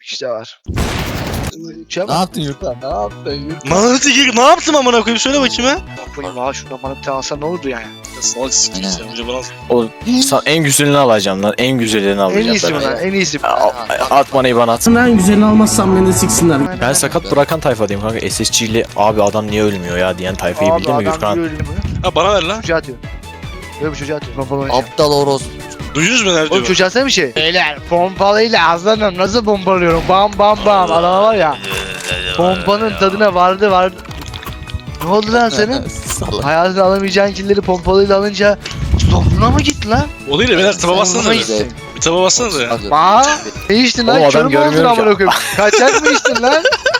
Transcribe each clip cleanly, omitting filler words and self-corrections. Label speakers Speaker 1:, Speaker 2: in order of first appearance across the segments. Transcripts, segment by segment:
Speaker 1: İşte var.
Speaker 2: Ne yaptın Yurkan? Ne yaptın Yurkan?
Speaker 3: Manatı gir. Ne yaptım amına koyayım? Söyle bakayım ha.
Speaker 1: Bakayım ha şuradan bana bir tane alsan ne olurdu yani?
Speaker 3: Salak siktir sen önce bana.
Speaker 4: Oğlum en güzelini alacağım lan. En güzelini
Speaker 1: En
Speaker 4: alacağım
Speaker 1: iyisi
Speaker 4: ben.
Speaker 1: mi lan? En iyisi mi?
Speaker 4: At bana IBAN at.
Speaker 5: En güzelini almazsam beni de siksinler.
Speaker 4: Ben sakat bırakan tayfadayım kanka. SSC ile abi adam niye ölmüyor ya diyen tayfayı bildin mi Gürkan?
Speaker 3: Ha bana ver lan.
Speaker 1: Çocuğa atıyor. Böyle bir çocuğa atıyor. Pompalı oynayacağım.
Speaker 2: Aptal orospu.
Speaker 3: Duydunuz mu nerede?
Speaker 1: Oğlum çocuğa atsana bir şey. Beyler pompalıyla aslanım nasıl pompalıyorum? Bam bam bam. Adama var ya. Pompanın tadına vardı. Ne oldu lan senin?
Speaker 2: Salak.
Speaker 1: Hayatında alamayacağın killeri pompalıyla alınca zoruna mı gitti lan?
Speaker 3: O değil de beyler taba bassanıza bir.
Speaker 2: Güzel.
Speaker 3: Bir taba bassanıza ya.
Speaker 2: Hadi.
Speaker 1: Aa, ne içtin lan?
Speaker 4: Oğlum adam
Speaker 1: Körüm oldun
Speaker 4: görmüyorum
Speaker 1: amına
Speaker 4: ki.
Speaker 1: koyayım. Kaçak mı içtin lan?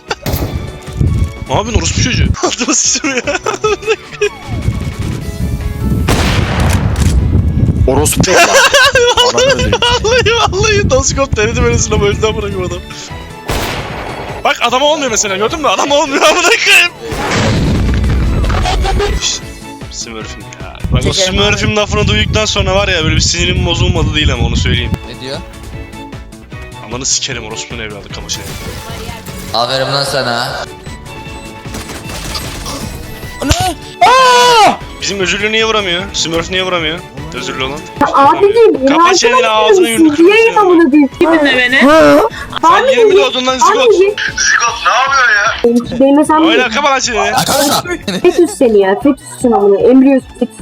Speaker 3: Ne yapıyorsun orospu çocuğu? Altıma sıçtım ya.
Speaker 4: Orospu değil lan. Ananı öldüreyim.
Speaker 3: Vallahi Doskop denedi böyle sınav öldü amına koyayım adam. Bak adama olmuyor mesela gördün mü? Adam olmuyor amına koyayım. Smurf'üm ya. Bak o Smurf'üm lafını duyduktan sonra var ya böyle bir sinirim bozulmadı değil ama onu söyleyeyim.
Speaker 2: Ne diyor?
Speaker 3: Amanı sikerim orospunun evladı kamaşaya.
Speaker 2: Aferin lan sana.
Speaker 3: Bizim özürlü niye vuramıyor? Smurf niye vuramıyor? Özürlü olan.
Speaker 6: Abicim
Speaker 3: Kapa çeneni ağzını yumruk
Speaker 6: Yayın
Speaker 3: kırmızı.
Speaker 6: amına koyayım. Kiminle beni?
Speaker 3: Sen 20 doğdun lan zigot.
Speaker 6: Benim hesabım
Speaker 3: Oyna kapa lan çeneni.
Speaker 6: fetüs seni ya. Fetüsün amına. Embriyosun fetüs.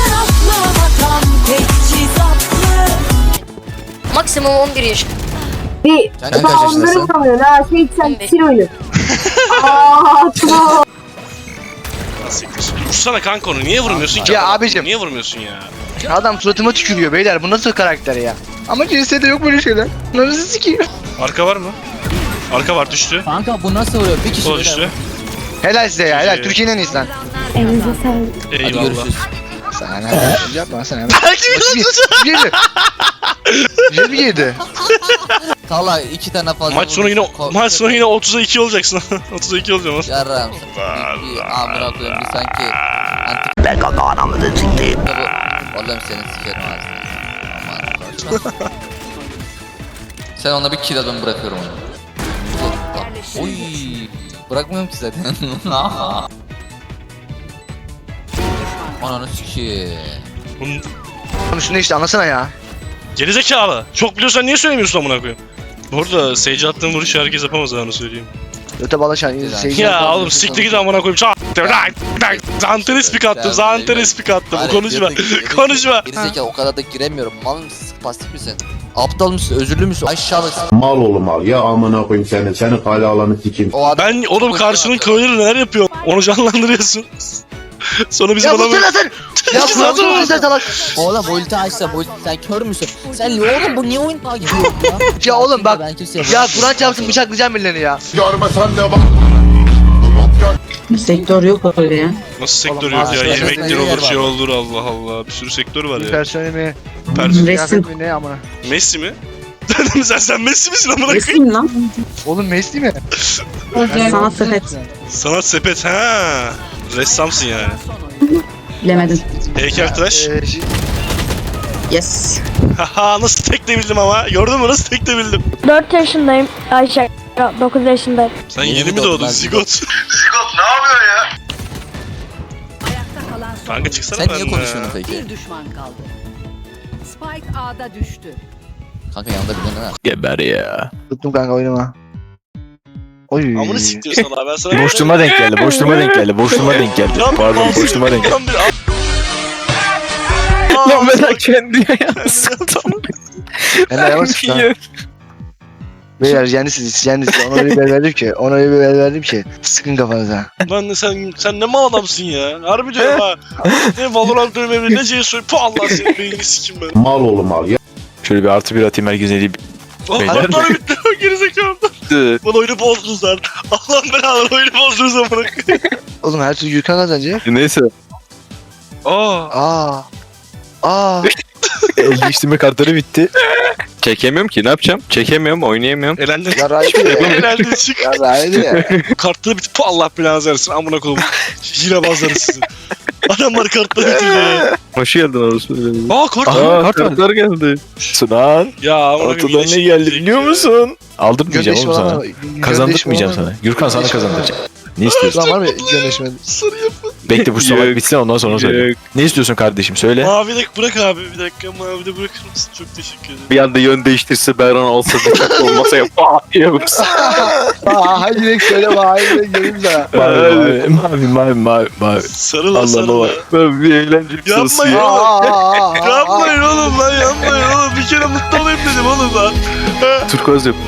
Speaker 7: Maksimum 11 yaş.
Speaker 6: Bir
Speaker 2: Sen kaç
Speaker 6: daha
Speaker 2: yaşındasın?
Speaker 6: onları vuramıyorsun ha. Sen sil oyunu. Aaa tamam.
Speaker 3: Vursana kanka onu niye vurmuyorsun ki?
Speaker 1: Ya abicim.
Speaker 3: Niye vurmuyorsun ya?
Speaker 1: Adam suratıma tükürüyor beyler. Bu nasıl karakter ya? Ama CS'de yok böyle şeyler. Nasıl sikiyor?
Speaker 3: Arka var mı? Arka var düştü.
Speaker 2: Kanka bu nasıl vuruyor? Bir kişi
Speaker 3: O
Speaker 2: böyle.
Speaker 3: düştü.
Speaker 1: Helal size ya. Helal.
Speaker 3: Güzel.
Speaker 1: Türkiye'nin en iyisi lan.
Speaker 6: Elinize sağlık.
Speaker 2: Hadi
Speaker 3: Eyvallah.
Speaker 2: görüşürüz.
Speaker 1: Sana ne? Yapma sana. Bir mi yedi?
Speaker 2: Salla 2 tane fazla.
Speaker 3: Maç sonu yine 30'a 2 olacaksın. 30'a 2 olacağım lan.
Speaker 2: Yarram. Bir amına koyayım bir sanki. Ben kanka anamı da siktim. Oğlum seni sikerim ağzını. Aman. Sen ona bir kill adamı bırakıyorum onu. Oy. Bırakmıyorum ki zaten. Ananı sikeyim.
Speaker 3: Bunun
Speaker 1: Konuşunu işte anlasana ya.
Speaker 3: gerizekalı. Çok biliyorsan niye söylemiyorsun amına koyayım? Bu arada Sage'e attığım vuruşu herkes yapamaz ha, onu söyleyeyim.
Speaker 1: Öte balaşan.
Speaker 3: Ya oğlum siktir git amına koyayım. Zanteres spik attım. Zanteres spik attım. Konuşma. Konuşma.
Speaker 2: Gerizekalı o kadar da giremiyorum. Mal mısın? Pasif misin? Aptal mısın? Özürlü müsün? Aşağılıksın.
Speaker 8: Mal oğlum mal ya amına koyayım seni. Senin kale alanı sikeyim.
Speaker 2: O adam
Speaker 3: Ben oğlum karşının köyleri neler yapıyor? Onu canlandırıyorsun. Sonra bizim
Speaker 1: Ya bu
Speaker 3: adamı...
Speaker 1: sen atın! Ya
Speaker 3: Sen
Speaker 1: Kur'an
Speaker 3: atın!
Speaker 1: sen salak!
Speaker 2: Oğlum ulti açsa bu sen kör müsün? Sen oğlum bu niye oyun takip ediyor ya?
Speaker 1: Ya oğlum bak.
Speaker 2: Ben kimseye
Speaker 1: Ya
Speaker 2: vuramıyorum.
Speaker 1: Kur'an çarpsın bıçaklayacağım birilerini ya.
Speaker 8: Görmesen de bak.
Speaker 5: Sektör yok öyle ya.
Speaker 3: Nasıl sektör
Speaker 1: Oğlum,
Speaker 3: yok ya?
Speaker 1: ağzına
Speaker 3: Yemektir
Speaker 2: yer
Speaker 3: olur,
Speaker 2: var.
Speaker 3: şey olur Allah Allah. Bir sürü sektör var ya.
Speaker 1: Personeli mi?
Speaker 3: Pers
Speaker 1: Kıyafet mi ne amına?
Speaker 3: Messi mi? sen Messi misin amına koyayım?
Speaker 5: Resim lan.
Speaker 1: Oğlum Messi mi?
Speaker 5: Sanat sepet.
Speaker 3: Sanat sepet ha. Ressamsın yani.
Speaker 5: Bilemedim.
Speaker 3: Heykeltıraş.
Speaker 5: Yes.
Speaker 3: Haha nasıl tek de bildim ama. Gördün mü nasıl tek de bildim.
Speaker 6: 4 yaşındayım. Ayşe 9 yaşındayım.
Speaker 3: Sen
Speaker 2: Yeni
Speaker 3: yeni mi
Speaker 2: doğdum
Speaker 3: doğdun
Speaker 2: ben,
Speaker 3: zigot? Zigot ne yapıyor ya? Kanka çıksana
Speaker 2: Sen
Speaker 3: ben
Speaker 2: niye konuşuyorsun peki?
Speaker 9: Bir düşman kaldı. Spike A'da düştü.
Speaker 2: Kanka yanında bir tane var.
Speaker 4: Geber ya.
Speaker 1: Tuttum kanka oynama. Oy.
Speaker 3: Amını siktir sana ben sana...
Speaker 4: Boşluğuma denk geldi. Boşluğuma denk geldi. Boşluğuma denk geldi. Pardon boşluğuma denk geldi.
Speaker 3: Lan bir
Speaker 4: Lan ben kendi ayağını sıktım.
Speaker 1: Ben de yavaş lan. Beyler yenisiz. Ona öyle bir el verdim ki. Ona öyle bir el verdim ki. Sıkın kafanıza.
Speaker 3: Lan sen ne mal adamsın ya. Harbi diyorum ha. Ne Valorant dövmemi ne CS pu Allah senin beynini sikim ben.
Speaker 8: Mal oğlum mal ya.
Speaker 4: Şöyle bir artı bir atayım herkese diyeyim. Beyler.
Speaker 3: Allah bitti gerizekalı. Bana oyunu bozdunuz lan. Allah'ın belaları oyunu bozdunuz amına koyayım.
Speaker 1: Oğlum her türlü Gürkan kazanacak.
Speaker 4: Neyse.
Speaker 1: Aa. Aa.
Speaker 4: El değiştirme kartları bitti. Çekemiyorum ki ne yapacağım? Çekemiyorum oynayamıyorum.
Speaker 3: Elendin.
Speaker 1: Ya Rahibi ya.
Speaker 3: Elendin çık.
Speaker 1: Ya Rahibi ya.
Speaker 3: Kartları bitti pu Allah belanızı versin amına koyayım. Hile bazları sizi. Adamlar kartları bitiriyor.
Speaker 4: Hoş geldin orası.
Speaker 3: Aa kart.
Speaker 4: Aa kartlar geldi.
Speaker 10: Sunan.
Speaker 3: Ya amına
Speaker 10: Ortadan
Speaker 3: koyayım,
Speaker 10: ne
Speaker 3: yine
Speaker 10: geldi
Speaker 3: çıkacak
Speaker 10: biliyor
Speaker 3: ya.
Speaker 10: musun? Aldırmayacağım
Speaker 1: Göndeşme
Speaker 10: oğlum
Speaker 1: olan
Speaker 10: sana.
Speaker 1: var mı?
Speaker 10: Kazandırmayacağım
Speaker 1: Göndeşme olan
Speaker 10: sana. Gürkan sana kazandıracak. Ne istiyorsun?
Speaker 1: Lan var mı göndeşme?
Speaker 3: Sarı yapın.
Speaker 10: Bekle bu sabah
Speaker 4: Yok.
Speaker 10: bitsin ondan sonra söyle.
Speaker 4: Yok.
Speaker 10: Ne istiyorsun kardeşim söyle.
Speaker 3: Mavi de bırak abi bir dakika mavi de bırakır mısın? Çok teşekkür ederim.
Speaker 4: Bir anda yön değiştirse Berhan olsa da çok olmasa ya diye vursa.
Speaker 1: Aa hangi renk söyle bana hangi renk göreyim sana.
Speaker 10: Mavi.
Speaker 3: Sarı lan
Speaker 10: Allah
Speaker 3: sarı
Speaker 10: Allah.
Speaker 3: lan.
Speaker 4: Ben bir eğlenceli
Speaker 3: Yapmayın
Speaker 4: sırası.
Speaker 3: oğlum. Yapmayın oğlum lan yapmayın oğlum. Bir kere mutlu olayım dedim oğlum lan.
Speaker 4: Turkuaz yap.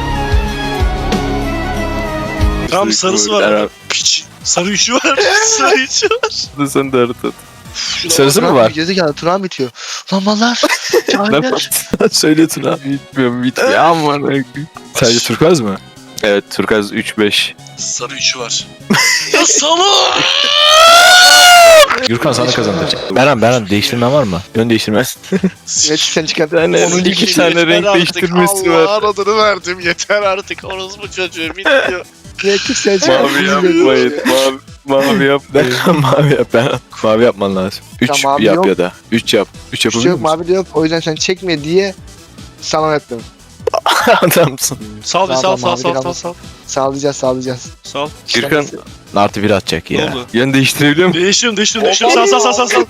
Speaker 3: Tam sarısı var. Piç. Sarı üçü var. Sarı üçü var.
Speaker 4: Sen de harita.
Speaker 10: Sarısı mı var?
Speaker 1: Gerizekalı Turan bitiyor. Lan mallar.
Speaker 10: Söyle Tuna.
Speaker 4: Bitmiyor ama.
Speaker 10: Sadece turkuaz mı?
Speaker 4: Evet Turkuaz 3-5.
Speaker 3: Sarı üçü var. Ya salak.
Speaker 10: Gürkan sana kazandıracak. Beren değiştirmen var mı? Yön değiştirme.
Speaker 1: Evet sen çıkart.
Speaker 4: tane,
Speaker 1: Onun
Speaker 4: iki
Speaker 1: iki
Speaker 4: tane renk değiştirmesi
Speaker 3: Allah
Speaker 4: var.
Speaker 3: adını verdim. Yeter artık. Orospu çocuğu bitiyor.
Speaker 1: Renkli sen çıkart.
Speaker 4: Mavi yapmayın. Mavi yapmayın.
Speaker 10: Mavi yap Beren. Mavi yapman lazım. 3
Speaker 1: Tamam,
Speaker 10: yap
Speaker 1: yok.
Speaker 10: ya da. 3 yap. 3
Speaker 1: Bir şey
Speaker 10: yapabilir
Speaker 1: yok
Speaker 10: misin?
Speaker 1: mavi de yok. O yüzden sen çekme diye sana ettim.
Speaker 10: Adamsın.
Speaker 3: Sal bir sal
Speaker 1: Tamam,
Speaker 3: sal
Speaker 1: mavi
Speaker 3: sal
Speaker 1: de
Speaker 3: sal sal.
Speaker 1: Sağlayacağız.
Speaker 3: Sal.
Speaker 4: Gürkan
Speaker 10: Artı 1 atacak
Speaker 3: Ne
Speaker 10: ya.
Speaker 3: oldu?
Speaker 4: yön değiştirebiliyor musun?
Speaker 3: Değiştiriyorum. Sal sal.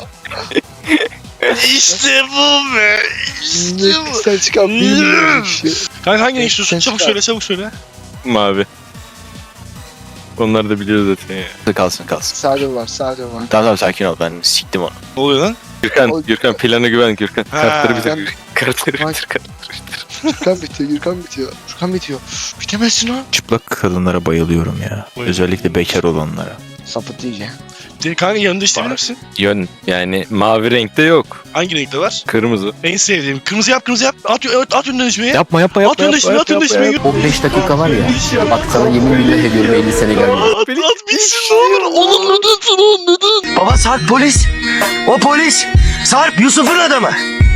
Speaker 3: İşte bu be. İşte
Speaker 1: Renkli
Speaker 3: bu.
Speaker 1: sen çıkart. Bilmiyorum bir şey.
Speaker 3: Kanka hangi renk istiyorsun?
Speaker 1: Sen
Speaker 3: Çabuk
Speaker 1: çıkar.
Speaker 3: söyle.
Speaker 4: Mavi. Onlar da biliyor zaten ya.
Speaker 10: Kalsın.
Speaker 1: Sadece var.
Speaker 10: Tamam sakin ol ben siktim onu.
Speaker 3: Ne oluyor lan?
Speaker 4: Gürkan plana güven Gürkan.
Speaker 3: Ha.
Speaker 4: Kartları
Speaker 1: Sen-
Speaker 4: bitir. Kartları
Speaker 1: Bak.
Speaker 4: bitir.
Speaker 1: Gürkan bitiyor. Bitemezsin lan.
Speaker 10: Çıplak kadınlara bayılıyorum ya.
Speaker 3: Buyurun.
Speaker 10: Özellikle bekar olanlara.
Speaker 1: Sapıt diyeceğim.
Speaker 3: Kanka yanında isteyebilir misin?
Speaker 4: Yön yani mavi renkte yok.
Speaker 3: Hangi renkte var?
Speaker 4: Kırmızı.
Speaker 3: En sevdiğim. Kırmızı yap. At önden ismini.
Speaker 10: Yapma.
Speaker 3: At önden ismini.
Speaker 5: 15 dakika var ya. Bak sana yemin billah ediyorum 50 sene gelmiyor.
Speaker 3: At bitsin ne olur. Oğlum neden?
Speaker 5: Baba Sarp polis. O polis. Sarp Yusuf'un adamı.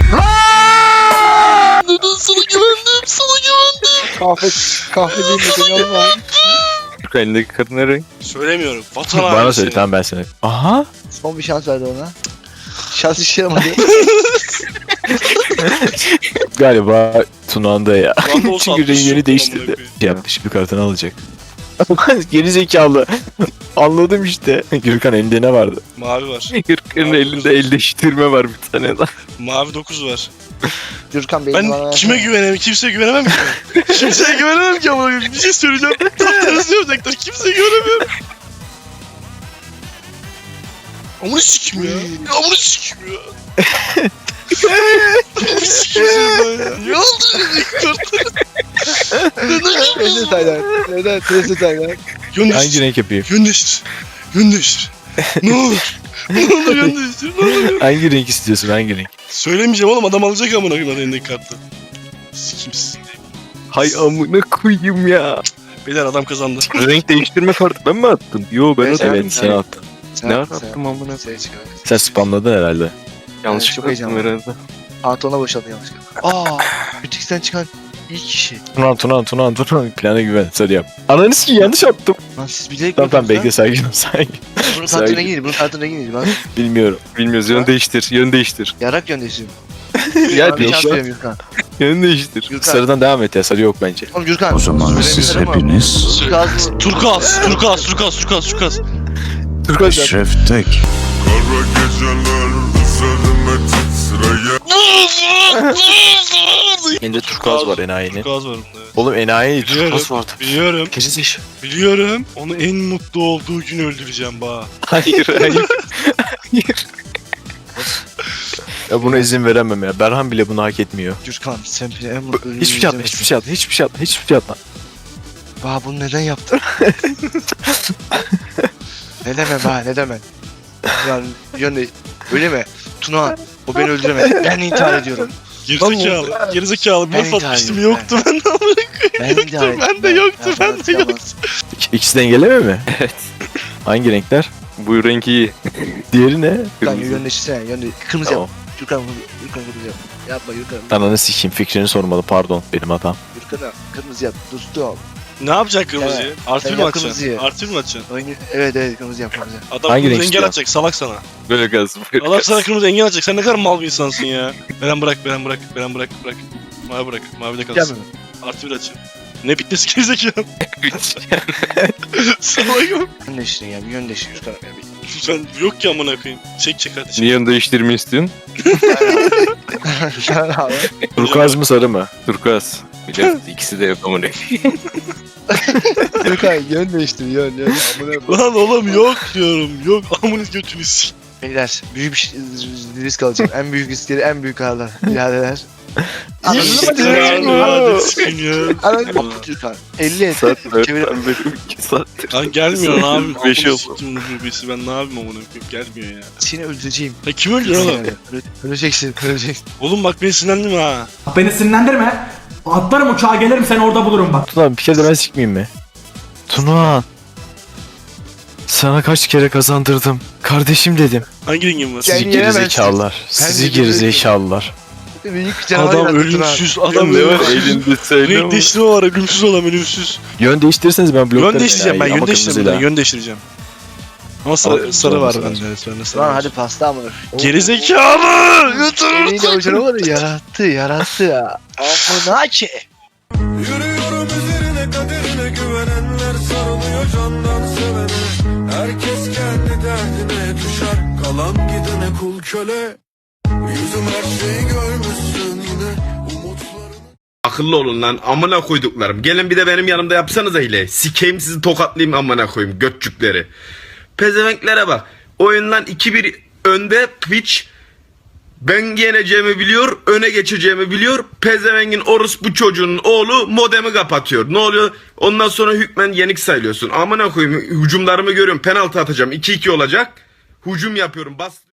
Speaker 3: Neden sana güvendim.
Speaker 1: Kahve değil mi? Seni alma.
Speaker 4: Gürkan elindeki kadın ne renk?
Speaker 3: Söylemiyorum. Vatan
Speaker 10: Bana
Speaker 3: haini
Speaker 10: söyle
Speaker 3: seni.
Speaker 10: tamam ben sana. Aha.
Speaker 1: Son bir şans verdi ona. Şans işe yaramadı.
Speaker 10: Galiba Tuna'nda ya.
Speaker 3: Vatan olsa
Speaker 10: Çünkü
Speaker 3: atmış
Speaker 10: rengini
Speaker 3: yok,
Speaker 10: değiştirdi.
Speaker 3: amına koyayım.
Speaker 10: Yaptı şimdi kartını alacak. Geri zekalı. Anladım işte. Gürkan elinde ne vardı?
Speaker 3: Mavi var.
Speaker 4: Gürkan'ın elinde el değiştirme var bir tane daha.
Speaker 3: Mavi 9 var.
Speaker 1: Gürkan Bey'in
Speaker 3: Ben
Speaker 1: bana
Speaker 3: kime güvenemem? Kimseye güvenemem ki. Kimseye güvenemem ki ama bir şey söyleyeceğim. Tatlısı yapacaklar. Kimseye güvenemiyorum. Amına sikim ya. Amına sikim ya. Amına sikim ya. Ne oldu?
Speaker 1: Neden Taylan? Neden? Neden Taylan?
Speaker 3: Yön
Speaker 10: Hangi
Speaker 3: değiştir.
Speaker 10: renk yapayım?
Speaker 3: Yön değiştir. Yön değiştir. Ne olur. Ne olur yön değiştir. Ne olur.
Speaker 10: Hangi renk istiyorsun? Hangi renk?
Speaker 3: Söylemeyeceğim oğlum adam alacak amına koyayım elindeki kartı. Sikimsiz.
Speaker 4: Hay amına koyayım ya.
Speaker 3: Beyler adam kazandı.
Speaker 4: Renk değiştirme kartı ben mi attım? Yo ben
Speaker 1: Evet,
Speaker 4: attım.
Speaker 10: Evet sen attın.
Speaker 4: Ne attım amına?
Speaker 1: Sen çıkar.
Speaker 10: Sen spamladın herhalde.
Speaker 4: Yanlışlıkla
Speaker 1: çok
Speaker 4: attım
Speaker 1: heyecanlı.
Speaker 4: herhalde.
Speaker 1: Pantolona boşaldı yanlışlıkla. Butikten çıkan ilk kişi.
Speaker 10: Tunan. Plana güven. Sarı yap. Ananı sikeyim yanlış yaptım.
Speaker 1: Lan siz bilerek
Speaker 10: Tamam bekle
Speaker 1: yapıyorsunuz
Speaker 10: sakin ol sakin.
Speaker 1: lan. Bunun kartı rengi neydi? Bunun kartı rengi neydi? Lan
Speaker 10: Bilmiyorum.
Speaker 4: Bilmiyoruz
Speaker 1: Ha?
Speaker 4: yön değiştir. Yön değiştir.
Speaker 1: yarak yöndeşim.
Speaker 4: Ya
Speaker 1: Bana bir şans
Speaker 4: değiştir.
Speaker 1: veriyorum Gürkan.
Speaker 4: Yön değiştir.
Speaker 1: Gürkan.
Speaker 10: Sarıdan devam et ya sarı yok bence.
Speaker 1: Oğlum Gürkan.
Speaker 8: hepiniz
Speaker 1: Turkuaz.
Speaker 3: Turkuaz.
Speaker 10: Turkuaz.
Speaker 8: Şeftek.
Speaker 10: Elinde turkuaz var enayinin.
Speaker 3: Turkuaz var bunda.
Speaker 10: Oğlum enayi
Speaker 3: Biliyorum.
Speaker 10: turkuaz vardı.
Speaker 3: Biliyorum.
Speaker 10: Kesin
Speaker 3: Biliyorum. Onu en mutlu olduğu gün öldüreceğim ba.
Speaker 10: Hayır. Ya buna izin veremem ya. Berhan bile bunu hak etmiyor.
Speaker 1: Gürkan sen bile en mutlu.
Speaker 10: Hiçbir şey atma.
Speaker 1: Ba bunu neden yaptın? ne demem ba ne demem. Yani yönde öyle mi? Tuna o beni öldüremedi. Ben intihar ediyorum.
Speaker 3: Gerizekalı.
Speaker 1: Ben
Speaker 3: Morf atmıştım
Speaker 1: intihar
Speaker 3: yoktu ben de amına
Speaker 1: Ben intihar ettim.
Speaker 3: ben de yoktu.
Speaker 10: İkisi dengeleme mi? Evet. Hangi renkler?
Speaker 4: Bu renk iyi.
Speaker 10: Diğeri ne?
Speaker 1: Gürkan yönleşsene yönde. Kırmızı
Speaker 10: Tamam.
Speaker 1: yap. Gürkan kırmızı yap. Yapma Gürkan.
Speaker 10: Ananı sikeyim fikrini sormalı pardon benim hatam.
Speaker 1: Gürkan'a kırmızı yap. Dostum.
Speaker 3: Ne yapacaksın kırmızıyı?
Speaker 1: Evet.
Speaker 3: Artı
Speaker 1: Sen
Speaker 3: bir mi
Speaker 1: yap
Speaker 3: atacaksın?
Speaker 1: kırmızıyı.
Speaker 3: Artı bir mi atacaksın?
Speaker 1: Evet kırmızı yap kırmızı.
Speaker 3: Adam
Speaker 10: Hangi renk
Speaker 3: kırmızı engel
Speaker 10: istiyor?
Speaker 3: atacak salak sana.
Speaker 4: Böyle kalsın. Böyle
Speaker 3: Adam
Speaker 4: kalsın.
Speaker 3: sana kırmızı engel atacak. Sen ne kadar mal bir insansın ya. Beren bırak. Mavi bırak. Mavi de kalsın.
Speaker 1: Gelme.
Speaker 3: Artı bir açın. Ne bitmesi gerizekalı. Salakım.
Speaker 1: Yön değiştirin ya bir yön değiştirin şu tarafa ya.
Speaker 3: Sen yok ki amına koyayım. Çek hadi çek.
Speaker 4: Niye onu değiştirmeyi istiyorsun?
Speaker 1: Sen abi.
Speaker 10: Turkuaz mı sarı mı?
Speaker 4: Turkuaz. Biliyorsun ikisi de yok ama ne?
Speaker 1: Yok abi yön değiştir yön.
Speaker 3: Lan oğlum yok diyorum. Yok amınız götünü sik.
Speaker 1: Beyler büyük bir risk alacağım. En büyük riskleri en büyük ağırlar. Biradeler. Anladın mı?
Speaker 3: Hadi sikim ya.
Speaker 1: Anladın mı? Lütfen. 50 et.
Speaker 4: Saat 4
Speaker 1: Çevir.
Speaker 4: 2 saattir.
Speaker 3: Lan gelmiyor ne yapayım?
Speaker 4: Beşi
Speaker 3: Amına
Speaker 4: oldu.
Speaker 3: siktim bu rubisi. Ben ne yapayım amına koyayım? Gelmiyor ya.
Speaker 1: Seni öldüreceğim.
Speaker 3: Ya kim öldü oğlum?
Speaker 1: Öleceksin.
Speaker 3: Oğlum bak beni sinirlendim ha.
Speaker 5: Beni sinirlendirme. Atlarım uçağa gelirim seni orada bulurum bak.
Speaker 10: Tuna bir kere de ben sikmeyeyim mi? Tuna. Sana kaç kere kazandırdım. Kardeşim dedim.
Speaker 3: Hangi rengin var?
Speaker 1: Sen
Speaker 10: Sizi
Speaker 1: yenemezsin.
Speaker 10: gerizekalılar. Sizi
Speaker 1: de
Speaker 10: gerizekalılar.
Speaker 1: Büyük canavar
Speaker 3: Adam
Speaker 1: yarattın
Speaker 3: ölümsüz.
Speaker 1: abi.
Speaker 3: Adam
Speaker 4: Ne var
Speaker 3: ölümsüz.
Speaker 4: elinde söyle
Speaker 3: Renk değiştirme var ölümsüz olan ölümsüz.
Speaker 10: Yön değiştirirseniz ben bloklarım.
Speaker 3: Yön değiştireceğim ben
Speaker 10: enayi,
Speaker 3: yön
Speaker 10: ama
Speaker 3: değiştireceğim.
Speaker 10: kırmızıyla.
Speaker 3: Yön değiştireceğim. Ama sarı var bende. Evet bende sarı
Speaker 1: Lan
Speaker 3: var.
Speaker 1: hadi pasta mı?
Speaker 3: Gerizekalı! Götür!
Speaker 1: Eliyle o canavarı yarattı ya. Afonake.
Speaker 5: Yürüyorum üzerine kaderine güvenenler sarılıyor candan sevene. Herkes kendi derdine düşer kalan gidene kul köle. Yüzüm her şeyi görmüşsün yine umutlarını.
Speaker 8: Akıllı olun lan amına koyduklarım. Gelin bir de benim yanımda yapsanıza hile. Sikeyim sizi tokatlayayım amına koyayım götçükleri. Pezevenklere bak. Oyundan 2-1 önde Twitch. Ben yeneceğimi biliyor, öne geçeceğimi biliyor. Pezevengin orospu çocuğunun oğlu modemi kapatıyor. Ne oluyor? Ondan sonra hükmen yenik sayılıyorsun. Amına koyayım hücumlarımı görüyorum. Penaltı atacağım. 2-2 olacak. Hücum yapıyorum. Bas